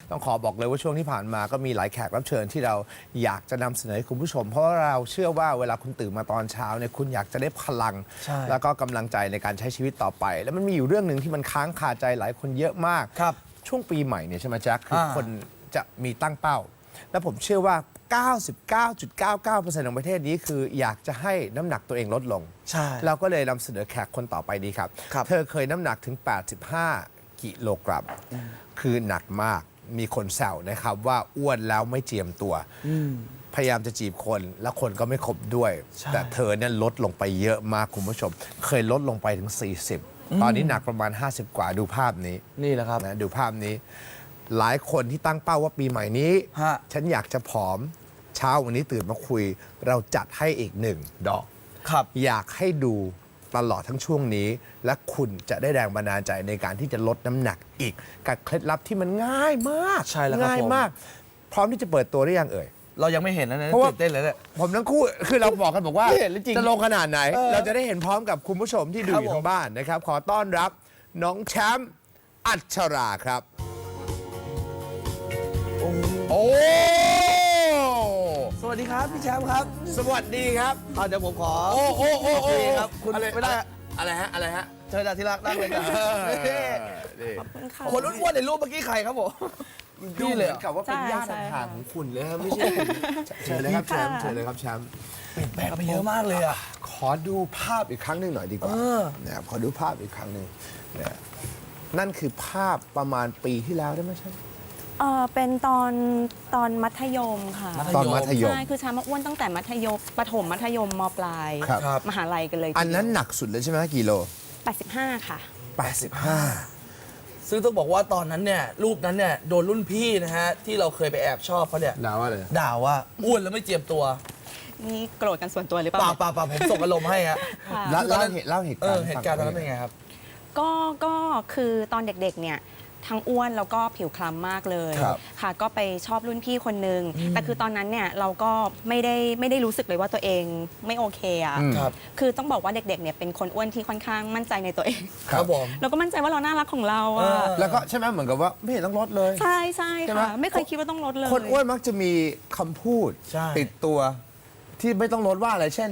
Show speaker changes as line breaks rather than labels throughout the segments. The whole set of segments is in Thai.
ต้องขอบอกเลยว่าช่วงที่ผ่านมาก็มีหลายแขกรับเชิญที่เราอยากจะนำเสนอให้คุณผู้ชม เพราะว่าเราเชื่อว่าเวลาคุณตื่นมาตอนเช้าเนี่ยคุณอยากจะได้พลัง แล้วก็กำลังใจในการใช้ชีวิตต่อไป แล้วมันมีอยู่เรื่องหนึ่งที่มันค้างคาใจหลายคนเยอะมาก ช่วงปีใหม่เนี่ยใช่ไหมแจ็คคือคนจะมีตั้งเป้า แล้วผมเชื่อว่า 99.99% ของประเทศนี้คืออยากจะให้น้ำหนักตัวเองลดลง
ใช่
เราก็เลยนำเสนอแขกคนต่อไปดีครับ เธอเคยน้ำหนักถึง 85 กิโลกรัม คือหนักมาก มีคนแซวนะครับว่าอ้วนแล้วไม่เจียมตัว พยายามจะจีบคนแล้วคนก็ไม่คบด้วย แต่เธอเนี่ยลดลงไปเยอะมากคุณผู้ชม เคยลดลงไปถึง 40 ตอนนี้หนักประมาณ 50 กว่าดูภาพนี้
นี่แหละครับ
นะดูภาพนี้ หลายคนที่ตั้งเป้าว่าปีใหม่นี้ ฉันอยากจะผอม เช้าวันนี้ตื่นมาคุย เราจัดให้อีก1 ดอก อยากให้ดูตลอดทั้งช่วงนี้ และคุณจะได้แรงบันดาลใจในการที่จะลดน้ำหนักอีกกับเคล็ดลับที่มันง่ายมาก
ใช่แล้วครับ
ง่ายมาก พร้อมที่จะเปิดตัวหรือยังเอ่ย
เรายังไม่เห็นนะเนี่ย
เพราะว่า
ตื่นเต้นเลยเนี่ย
ผมทั้งคู่คือเราบอกกันบอกว่า
ไม่เห็นเลยจริง
จะลงขนาดไหน เราจะได้เห็นพร้อมกับคุณผู้ชมที่ดู
ครับ
อยู่ทางบ้านนะครับ ขอต้อนรับน้องแชมป์อัชราครับ โอ้
สวัสดีครับพี่แชมป์ครับ
สวัสดีครับ
เดี๋ยวผมขอ
โอ้โอ้โอ้
โอ
โอ้
เคครับคุณ
อะไร
ไม่ได้
อะไรฮะอะไรฮะ
เชิญที่รักนั่งเลยครับ
นี่
คนอ้วนๆในรูปเมื่อกี้ใครครับผม
ดู
พี่
เห
เล
มื
ย
อนกับว่าเป็นญาติห่างๆของคุณเลยครับไม่ใช่คุณเชิญเลยครับแชมป์เชิญเลยครับแชมป์
เปลี่ยนแปลงไปเยอะมากเลยอ่ะ
ขอดูภาพอีกครั้งหนึ่งหน่อยดีกว่านะครับขอดูภาพอีกครั้งหนึ่งนะนั่นคือภาพประมาณปีที่แล้วได้ไหมใช่
เป็นตอนมัธยมค่ะ
ตอนมัธยม
ใช่คือช้ามาอ้วนตั้งแต่มัธยมประถมมัธยมมปลาย
ครับ
มหาลัยกันเลย
อันนั้นหนักสุดเลยใช่ไหมกิโล
85 ค่ะ
85
ซึ่งต้องบอกว่าตอนนั้นเนี่ยรูปนั้นเนี่ยโดนรุ่นพี่นะฮะที่เราเคยไปแอบชอบเขาเนี่ย
ด่าว่าเลย
ด่าว่าอ้วนแล้วไม่เจียมตัว
นี่โกรธกันส่วนตัวหรือเป
เปล่า
ล่า
เปล่าเปล่าผมส่งอารมณ์ให้ฮะ
ค่ะ
เล่าเหตุการณ์
เหตุการณ์ตอนนั้นเป็นไงครับ
ก็คือตอนเด็กๆเนี่ยทั้งอ้วนแล้วก็ผิวคล้ำมากเลย
ครับ
ค่ะ ก็ไปชอบรุ่นพี่คนนึงแต่คือตอนนั้นเนี่ยเราก็ไม่ได้รู้สึกเลยว่าตัวเองไม่โอเคอ่ะ
ครับ
คือต้องบอกว่าเด็กๆเนี่ยเป็นคนอ้วนที่ค่อนข้างมั่นใจในตัวเอง
ครับผม
เราก็มั่นใจว่าเราน่ารักของเราอ่ะ
แล้วก็ใช่ไหมเหมือนกับว่าไม่เห็นต้องลดเลย
ใช่
ใช่ไหม
ค่ะ ไม่เคยคิดว่าต้องลดเลย
คนอ้วนมักจะมีคำพูด
ใช่
ติดตัว ที่ไม่ต้องลดว่าอะไรเช่น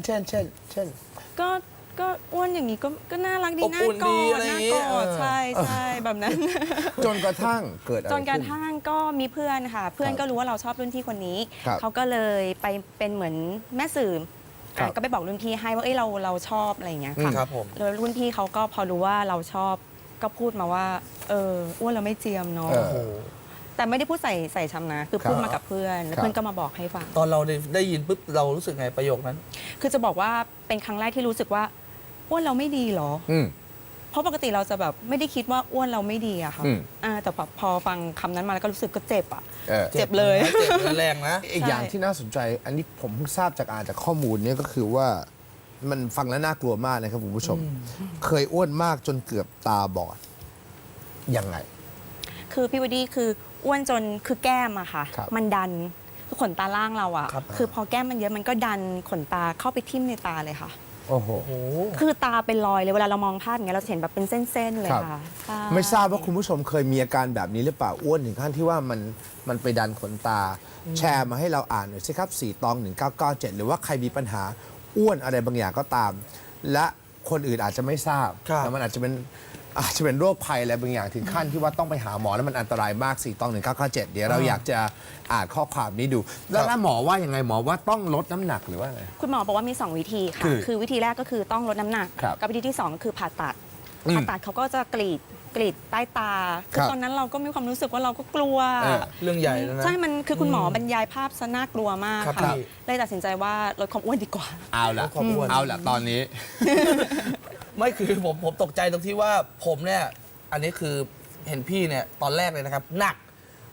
ก็อ้วนอย่างนี้ก็น่ารักดี
อบ
น่า
อุ่น
ก
ดี
อ
อะ
ด
ไรอ
น่า
ย่างงี้
กอด
เออ
ใช่แบบนั้น
จนกระทั่งเกิดอะไร
จนกระ
ขึ้น
ทั่งก็มีเพื่อนค่ะ เพื่อนก็รู้ว่าเราชอบรุ่นพี่คนนี้
ครับ
เขาก็เลยไปเป็นเหมือนแม่สื่อ
ครับ
ก็ไปบอกรุ่นพี่ให้ว่าเอ้ยเราชอบอะไรอย่างเงี้ยค่ะ
ครับผม
แล้วรุ่นพี่เขาก็พอรู้ว่าเราชอบก็พูดมาว่าอ้วนเราไม่เจียมเนาะ
เออ
โอ้โห
แต่ไม่ได้พูดใส่ชำนะคือพูด
ครับ
มากับเพื่อนแล้ว
ครับ
เพื่อนก็มาบอกให้ฟัง
ตอนเราได้ยินปุ๊บเรารู้สึกไงประโยคนั้น
คือจะบอกว่าเป็นครั้งแรกที่รู้สึกว่าอ้วนเราไม่ดีเหรอ
อืม
เพราะปกติเราจะแบบไม่ได้คิดว่าอ้วนเราไม่ดีอะค่ะ
อืม
แต่พอฟังคำนั้นมาแล้วก็รู้สึกก็เจ็บอะ
เออ
เจ็บเลย
เจ็บแรงนะ
อีกอย่างที่น่าสนใจ อันนี้ผมเพิ่งทราบจากอ่านจากข้อมูลเนี่ยก็คือว่ามันฟังแล้วน่ากลัวมากนะครับคุณผู้ชม เคยอ้วนมากจนเกือบตาบอด ยังไง
คือพี่วดดี้คืออ้วนจนคือแก้มอะค่ะ
ครับ
มันดันคือขนตาล่างเราอะ
ครับ
คือพอแก้มมันเยอะมันก็ดันขนตาเข้าไปทิ่มในตาเลยค่ะ
โอ้โห
โอ้โห
คือตาเป็นรอยเลยเวลาเรามองภาพอย่างเงี้ยเราจะเห็นแบบเป็นเส้นๆเลย
ครับ
ค่ะใช่
ไม่ทราบว่าคุณผู้ชมเคยมีอาการแบบนี้หรือเปล่าอ้วนถึงขั้นที่ว่ามันไปดันขนตา แชร์มาให้เราอ่านหน่อยสิครับ4ตอง1997 หรือว่าใครมีปัญหาอ้วนอะไรบางอย่างก็ตาม และคนอื่นอาจจะไม่ทราบ
ครับ
แต่มันอาจจะเป็นโรคภัยอะไรบางอย่างถึงขั้นที่ว่าต้องไปหาหมอแล้วมันอันตรายมาก4ตอง1997 เดี๋ยวเราอยากจะอ่านข้อความนี้ดู แล้วหมอว่ายังไงหมอว่าต้องลดน้ำหนักหรือว่าไง
คุณหมอบอกว่ามี 2 วิธีค่ะ คือวิธีแรกก็คือต้องลดน้ำหนัก
ครับ
กับวิธีที่ 2 คือผ่าตัด
อืม
ผ่าตัดเขาก็จะกรีดใต้ตา
ครับ
ตอนนั้นเราก็มีความรู้สึกว่าเราก็กลัว
เรื่องใหญ่แล้วนะ
ใช่ มันคือคุณหมอบรรยายภาพซะน่ากลัวมาก
ครับ
ค่ะ
พี่
เลยตัดสินใจว่าลดความอ้วนดีกว่า
เอาละ
ความอ้วน
เอาละตอนนี้
ไม่คือผมตกใจตรงที่ว่าผมเนี่ยอันนี้คือเห็นพี่เนี่ยตอนแรกเลยนะครับหนัก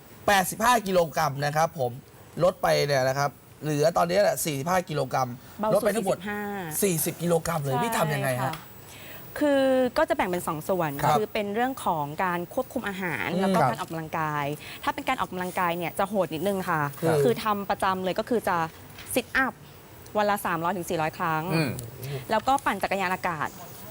85 กิโลกรัมนะครับผมลดไปเนี่ยนะครับเหลือตอนนี้แหละ45 กิโลกรัม
เบา
ลด
สุ
ไป
ด
ทั้งหมด
45
40 กิโลกรัมเลยพี่ทำยังไง
ใช่
ฮะ
ค่ะคือก็จะแบ่งเป็น 2 ส่วน
ครับ
คือเป็นเรื่องของการควบคุมอาหาร แล้วก็
ครับ
การออกกำลังกาย ถ้าเป็นการออกกำลังกายเนี่ยจะโหดนิดนึงค่ะ
ครับ
คือทำประจำเลยก็คือจะซิทอัพวันละ300 ถึง 400 ครั้ง
อืม
แล้วก็ปั่นจักรยานอากาศ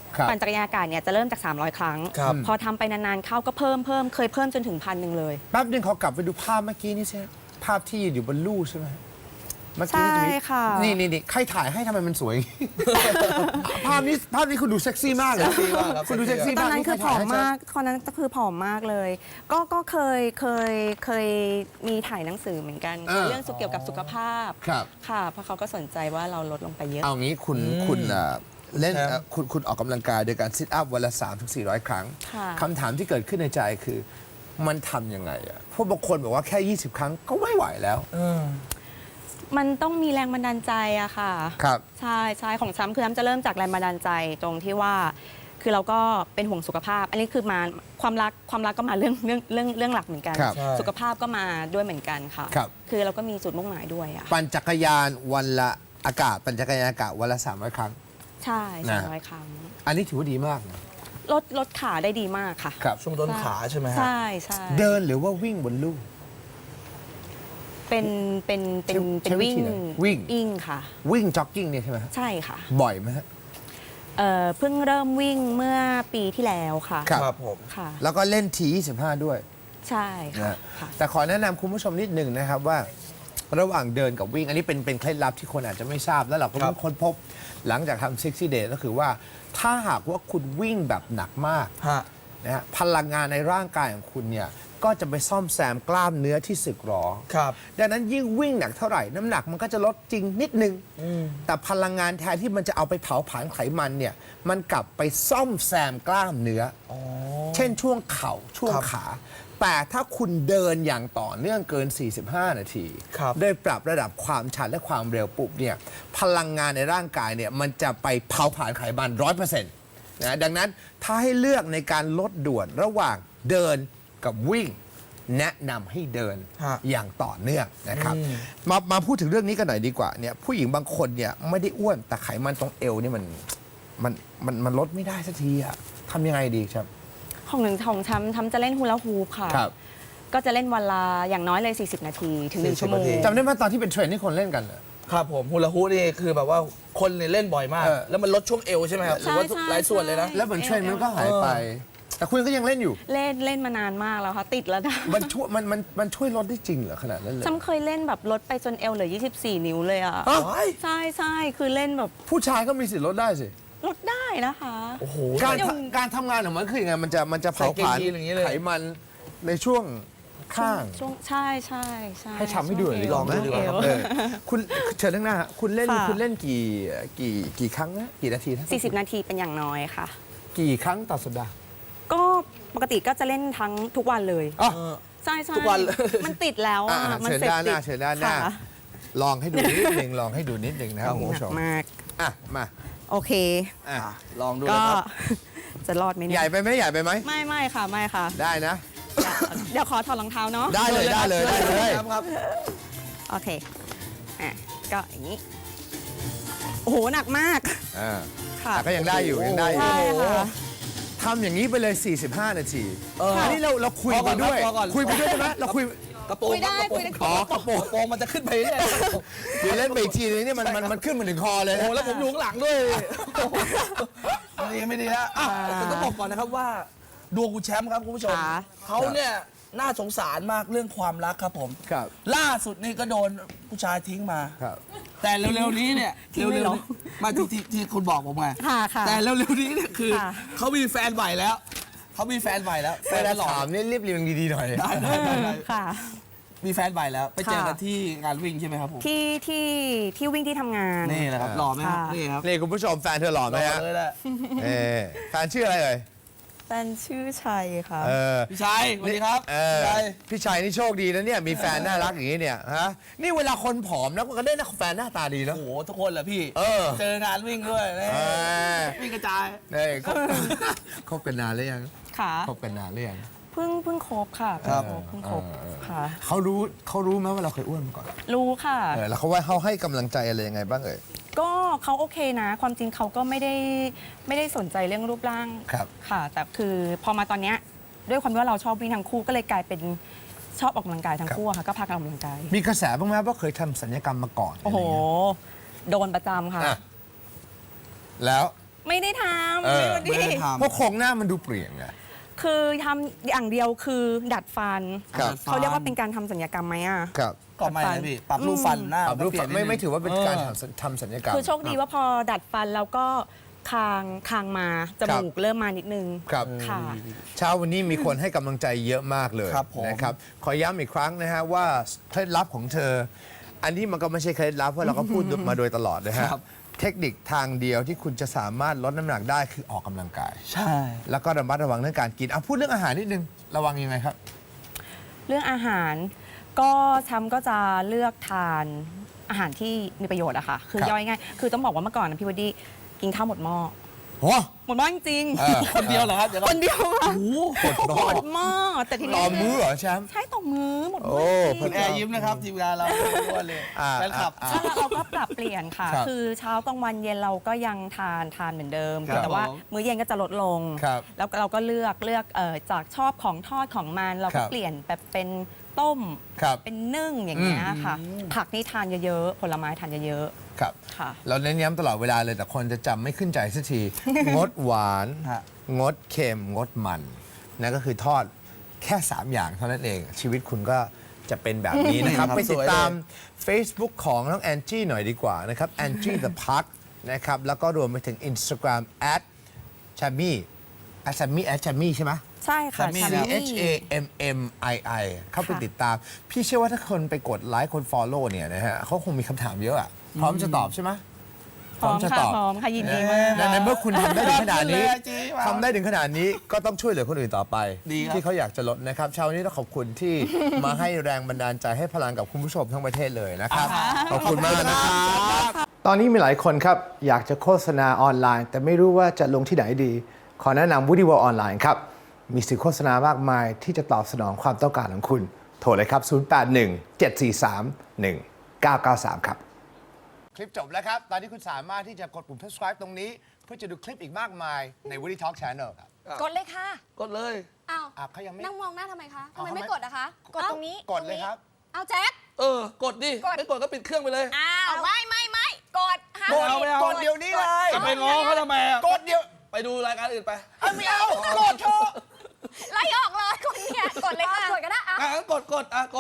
ครับ
ปั่นจักรยานอากาศเนี่ยจะเริ่มจาก 300 ครั้ง
ครับ
พอทำไปนานๆเข้าก็เพิ่มเคยเพิ่มจนถึง1,000เลย
แป๊บนึงขอกลับไปดูภาพเมื่อกี้นี่ใช่ไหมภาพที่อยู่บนลู่ใช่ไหมเมื่อกี้นี่จะมี
ใช่ค่ะ
นี่ใครถ่ายให้ทำไมมันสวยอย่างนี้ ภาพนี้คุณดูเซ็กซี่มากเลย
เซ็กซี่มากครับ
คุณดูเซ็กซี่
ตอ
มาน ก
นั้นคือผอม
ใรถ่ยให้
มากตอนนั้นก็คือผอมมากเลย ก็เคยมีถ่ายหนังสือเหมือนกัน เรื่องเกี่ยวกับสุขภาพ
ครับ
ค่ะเพราะเขาก็สนใจว่าเราลดลงไปเยอะ
เอางี้คุณเล่นคุณออกกำลังกายโดยการซิทอัพวันละ 3-400 ครั้ง
ค่ะ
คำถามที่เกิดขึ้นในใจคือมันทำยังไงอ่ะเพราะบางคนบอกว่าแค่ 20 ครั้งก็ไม่ไหวแล้ว
มันต้องมีแรงบันดาลใจอะค่ะ
ครับ
ใช่ของซ้ำคือซ้ำจะเริ่มจากแรงบันดาลใจตรงที่ว่า คือเราก็เป็นห่วงสุขภาพ อันนี้คือมาความรักก็มาเรื่องหลักเหมือนกัน
ครับ
ใช่
สุขภาพก็มาด้วยเหมือนกันค่ะ
ครับ
คือเราก็มีจุดมุ่งหมายด้วยอะ
ปั่นจักรยานวันละปั่นจักรยานอากาศวันละ 300 ครั้ง
ใช่
นะ
300 ครั้ง
อันนี้ถือว่าดีมากนะ
ลดขาได้ดีมากค่ะ
ครับ
ช่วงต้นขาใช่ไหมฮะ
ใช่
เดินหรือว่าวิ่งบนลู่
เป็น
ใช้วิ
วิ่ง
ธีไหนวิ่ง
ค่ะ
วิ่งจ็อกกิ้งเนี่ยใช่ไหมฮะ
ใช่ค่ะ
บ่อยไหมฮะ
เพิ่งเริ่มวิ่งเมื่อปีที่แล้วค่ะ
ครับ
ครับผม
ค่ะ
แล้วก็เล่นที25 ด้วย
ใช่ค่ะ
นะ
ค่ะ
แต่ขอแนะนำคุณผู้ชมนิดหนึ่งนะครับว่า ระหว่างเดินกับวิ่ง อันนี้เป็นเคล็ดลับที่คนอาจจะไม่ทราบ แล้วเราก็
ครั
เพิ่
บ
งค้นพบหลังจากทำ60 Day ก็คือว่าถ้าหากว่าคุณวิ่งแบบหนักมาก
ฮะ
นะฮะพลังงานในร่างกายของคุณเนี่ยก็จะไปซ่อมแซมกล้ามเนื้อที่สึกหรอ
ครับ
ดังนั้นยิ่งวิ่งหนักเท่าไหร่น้ำหนักมันก็จะลดจริงนิดนึง แต่พลังงานแทนที่มันจะเอาไปเผาผลาญไขมันเนี่ยมันกลับไปซ่อมแซมกล้ามเนื้ออเช่นช่วงเข่าช่วง
ครับ
ขา แต่ถ้าคุณเดินอย่างต่อเนื่องเกิน 45 นาที
ครับ
โดยปรับระดับความชันและความเร็วปุ๊บเนี่ยพลังงานในร่างกายเนี่ยมันจะไปเผาผลาญไขมัน 100%นะดังนั้นถ้าให้เลือกในการลดด่วนระหว่างเดินกับวิ่ง แนะนำให้เดิน
ฮะ
อย่างต่อเนื่องนะครับมาพูดถึงเรื่องนี้กันหน่อยดีกว่าเนี่ยผู้หญิงบางคนเนี่ยไม่ได้อ้วนแต่ไขมันตรงเอวนี่มันลดไม่ได้สักทีอะทำยังไงดีครับ
ของทำจะเล่นฮูลาฮูปค่ะ
ครับ
ก็จะเล่นวันละอย่างน้อยเลย 40 นาทีถึง 1 ชั่วโมง
นาที
จำได้ไหมตอนที่เป็นเทรนด์ที่คนเล่นกันอะ
ครับผมฮูลาฮูปนี่คือแบบว่าคนเนี่ยเล่นบ่อยมาก
เออ
แล้วมันลดช่วงเอวใช่ไหมครับหรือว่า
ใช่
หลายส่วนเลยนะ
แล้วเหมือนเทรนด์มันก็หายไป แต่คุณก็ยังเล่นอยู่
เล่นมานานมากแล้วค่ะ ติดแล้วนะ
มันช่วยลดได้จริงเหรอขนาดนั้นเลย
จำเคยเล่นแบบลดไปจนเอวเหลือ 24 นิ้วเลยอ่ะ
ฮะ
ใช่คือเล่นแบบ
ผู้ชายก็มีสิทธิ์ลดได้สิ
ลดได้นะคะ
โอ้โห
การทำงานของมันคือยังไงมันจะเผาผลาญ
ใส่เกงยีนอย่างนี้เลย
ไขมันในช่วงข้าง
ช่วงใช่
ให้ทำให้ดูหน่อยดีก
ช่
ว่าว ไหม
ช่วงเอว
เออคุณเชิญทั้างหน้าฮะคุณเล่น
ค่ะ
คุณเล่นกี่ครั้งนะกี่นาทีนะ
40 นาทีเป็นอย่างน้อยค่ะ
กี่ครั้งต่อสัปดาห์
ก็ปกติก็จะเล่นทั้งทุกวันเลย
อ๋อ
ใช่
ทุกวันเลย
มันติดแล้วอ่ะ
อ่ะ
มัน
เชิญ
เสพ
ด้านห
ติ
น้า
ด
เชิญด้านหน้า
ค่ะ
ลองให้ดูนิดหนึ่งลองให้ดูนิดหนึ่งนะครับคุณ
หนั
ผู้ชม
มาก
อ่ะมา
โอเค
อ่ะ
ลองดู
ก็
นะครับ
จะรอดไหม
ให
เนี่
ญ่
ย
ไปไหมใหญ่ไปไหม
ไม่ค่ะไม่ค่ะ
ได้นะ
เดี๋ยวขอถอดรองเท้าเนาะ
ได้เลยได้เลยได้เลย
ครับ
โอเคอ่ะก็อย่างนี้ โอ้โห หนักมาก
อ่า
ค่ะ
แต่ก็ยังได้อยู่ยังได้อยู่
ใช่ค่ะ
ทำอย่างนี้ไปเลย 45 นาที
เอออั
อันนี้เราคุยไปด้วย
พอก่อน
คุยไปด้วยใช่ไหมเราคุย
กระโปรง
คุยได้
กระโปรง
คุยได้
อ๋อกระโปรงมันจะขึ้นไปเรื่อย
เดี๋ยวเล่นไปอีกทีนึงนี่มันขึ้นมาถึงคอเลย
โอ้
นะ
โหแล้วผมอยู่ข้างหลังด้วยไม่ดีนะอ่ะแต่ต้องบอกก่อนนะครับว่าดวงคุณแชมป์ครับคุณผู้ชม
ค่ะ
เขาเนี่ยน่าสงสารมากเรื่องความรักครับผม
ครับ
ล่าสุดนี่ก็โดนผู้ชายทิ้งมา
ครับ
แต่เร็วๆนี้เนี่ย
ทิ้งเลย
เร็
เหร
ว
อ
ๆมาที่คุณบอกผมไง
ค่ะ
แต่เร็วๆนี้เนี่ยคือ
ค่ะ
เขามีแฟนใหม่แล้วเขามีแฟนใหม่แล้วแฟ
เวน ลา
หล่อ
ถามนี่เรียบเรียงดีๆหน่อย
ได้
ค่ะ
มีแฟนใหม่แล้ว ไปเจอกัน
ค่ะ
ที่งานวิ่งใช่ไหมครับผม
ที่วิ่งที่ทำงาน
นี่นะครับหล่อไหมครับ
ค่ะ
นี่ครับ
นี่คุณผู้ชมแฟนเธอหล่อไหม
หล่อ
ฮะ
เลยแหละ
เออแฟนชื่ออะไรเอ่ย
แฟนชื่อชัยค่ะ
เออ
พี่ชัยสวัสดีครับ
เออ
พี่ชัย
พี่ชัยนี่โชคดีนะเนี่ยมีแฟนน่ารักอย่างนี้เนี่ยฮะนี่เวลาคนผอมนะมันก็ได้นะแฟนหน้าตาดีนะ
โอ้โหทุกคนแหละพี่
เออ
เจองานวิ่งด้วยนี่
เออ
วิ่งกระจาย
นี่คบกันนานหรือยัง
ค่ะ
คบกันนานหรือยัง
เพิ่งคบค่ะ
ครับ
เพิ่งคบค่ะ
เขารู้ไหมว่าเราเคยอ้วนมาก่อน
รู้ค่ะ
แล้วเขาให้กำลังใจอะไรยังไงบ้างเอ่ย
ก็เขาโอเคนะ ความจริงเขาก็ไม่ได้สนใจเรื่องรูปร่าง
ครับ
ค่ะ แต่คือพอมาตอนเนี้ยด้วยความที่ว่าเราชอบวิ่งทั้งคู่ก็เลยกลายเป็นชอบออกกำลังกายทั้งคู่อะค่ะ ก็พากันออกกำลังกาย
มีกระแสบ้างไหมว่าเคยทำศัลยกรรมมาก่อน
โอ้โห
ะไรเงี้ย
โดนประจำค่ะ
อ่ะแล้ว
ไม่ได้ทำ
เออ
พี่วันดี
เพราะโครงหน้ามันดูเปลี่ยนไง
คือทำอย่างเดียวคือดัดฟัน
ครับ
เขาเรียกว่าเป็นการทำศัลยกรรมไหมอ่ะ
ครับ
ก็ไม่นะพี่ปรับรูปฟันหน้า
ปรับรูป
เปลี่ยนนิดนึง
ไม่ถือว่าเป็นการทำศัลยกรรม
คือโชคดีว่าพอดัดฟันแล้วก็คางมาจมูกเริ่มมานิดนึง
ครับ
ค่ะ
เช้าวันนี้มีคนให้กำลังใจเยอะมากเลย
ครับผม
นะครับขอย้ำอีกครั้งนะฮะว่าเคล็ดลับของเธอ อันนี้มันก็ไม่ใช่เคล็ดลับเพราะเราก็พูดมาโดยตลอดนะฮะ
ครับ
เทคนิคทางเดียวที่คุณจะสามารถลดน้ำหนักได้คือออกกำลังกาย
ใช่
แล้วก็ระมัดระวังเรื่องการกินเอาพูดเรื่องอาหารนิดนึงระวังยังไงครับ
เรื่องอาหารก็ช้ำก็จะเลือกทานอาหารที่มีประโยชน์อะค่ะ คือ
ครับ
ย่อยง่ายคือต้องบอกว่าเมื่อก่อนนะพี่วดดี้กินข้าวหมดหม้อ
โอ้
หมดหม้อจริง
เออ
คนเดียวเหรอครับเดี๋ยว
ๆคนเดียวอะ
หมด
หมดหม้อแต่ที
ต่
นี้
อมื้อเหรอแชมป์
ใช่ต่อมื้อหมดห
โอ้
ม้อจริง
คุณแอร์ยิ้มนะครับทีมงานเราทุกวันเลย
อ่า
แฟนคลับ
อ่า
แล้วเราก็ปรับเปลี่ยนค่ะ
ครับ
คือเช้ากลางวันเย็นเราก็ยังทานเหมือนเดิม
ครับ
แต่ว่า
ผม
มื้อเย็นก็จะลดลง
ครับ
แล้วเราก็เลือกจากชอบของทอดของมันเรา
ครั
ก็
บ
เปลี่ยนแบบเป็นต้ม
ครับ
เป็นนึ่งอย่างเงี้ยค่ะ ผักนี่ทานเยอะๆ ผลไม้ทานเยอะ
ครับ
ๆ ค่ะ
เราเน้นย้ำตลอดเวลาเลยแต่คนจะจำไม่ขึ้นใจสักที งดหวาน
ฮะ
งดเค็ม งดมันนั่นก็คือทอดแค่ 3 อย่างเท่านั้นเอง ชีวิตคุณก็จะเป็นแบบนี้นะครับ
ครับ
ไปติดตาม
สวย
Facebook ของน้องแอนจี้หน่อยดีกว่านะครับ Angie the Park นะครับ แล้วก็รวมไปถึง Instagram @chammy @chammy ใช่ไหม
ใช่ค่ะ
Chammy
ชา
นะ
มี่
HAMMII เข้าไป
ค่ะ
ติดตาม พี่เชื่อว่าถ้าคนไปกดไลค์คน Follow เนี่ยนะฮะเขาคงมีคำถามเยอะอะพร้อมจะตอบใช่ไหม
พร้อมค่ะพร้อมค่ะยินดีมาก
ในเมื่อคุณทำได้ถึงขนาดนี้
ยอดเยี่ยมเลย
ทำได้ถึงขนาดนี้ก็ต้องช่วยเหลือคนอื่นต่อไป
ดีครับ
ที่เขาอยากจะลดนะครับเช้านี้ต้องขอบคุณที่ มาให้แรงบันดาลใจให้พลังกับคุณผู้ชมทั้งประเทศเลยนะครับ ขอบคุณมากนะครับตอนนี้มีหลายคนครับ อยากจะโฆษณาออนไลน์ แต่ไม่รู้ว่าจะลงที่ไหนดี ขอแนะนำ Woody World ออนไลน์ครับ มีสื่อโฆษณามากมายที่จะตอบสนองความต้องการของคุณ โทรเลยครับ 0817431993 ครับ คลิปจบแล้วครับ ตอนนี้คุณสามารถที่จะกดปุ่ม subscribe ตรงนี้ เพื่อจะดูคลิปอีกมากมายใน Woody Talk Channel ครับ
กดเลยค่ะ
กดเลย
อ้าว
เขายังไม่
นั่งมองหน้าทำไมคะทำ
เอา
ไม
ทำไม
ไม่กดอะคะ
กดตรงนี้กดเลยครับ
เอาแจ็ค
กดดิ
กด
ไม่กดก็ปิดเครื่องไปเลย
อ้าวไม่กดห้าม
กดเอาไม่เอา
กดเดี๋ยวนี้เลย
จะไปง้อเขาทำไมอะ
กดเดี๋ยว
ไปดูรายการอื่นไป
ไม่เอา กดเถอะ
ไล่ออกเลยคนเนี่ยกดเลยค่ะกดก็ได้
งั้นกด